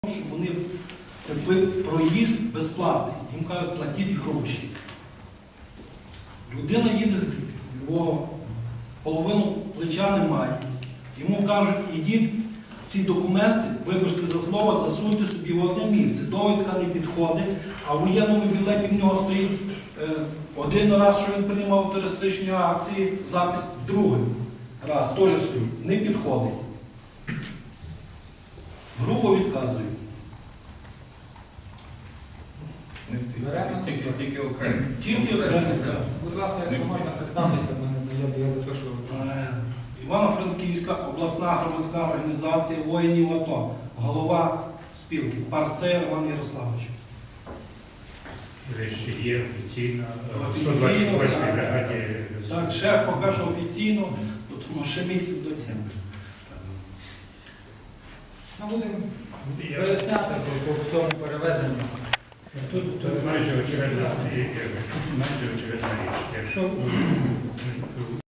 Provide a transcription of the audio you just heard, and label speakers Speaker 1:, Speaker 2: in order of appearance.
Speaker 1: щоб вони проїзд безплатний. Їм кажуть, платіть гроші. Людина їде з Львова, половину плеча немає. Йому кажуть, ідіть ці документи, вибачте за слово, засуньте собі в одне місце. Довідка не підходить, а в воєнному білеті в нього стоїть один раз, що він приймав терористичні акції, запис другий раз теж стоїть. Не підходить. Грубо відказують.
Speaker 2: Не всі, тільки окремі.
Speaker 1: Тільки окремі, так.
Speaker 3: Будь ласка, якщо можна представитися, в мене заяві, я запишу.
Speaker 1: Івано-Франківська обласна громадська організація воїнів АТО, голова спілки, Парцей Роман Ярославович.
Speaker 4: Ще є офіційно, в
Speaker 1: Офіційно,
Speaker 4: 128-й бригаді.
Speaker 1: Так, ще поки що офіційно, тому ще місяць до теми.
Speaker 3: Ми будемо виясняти по цьому перевезенню.
Speaker 4: Тут майже очевидна річ. Якщо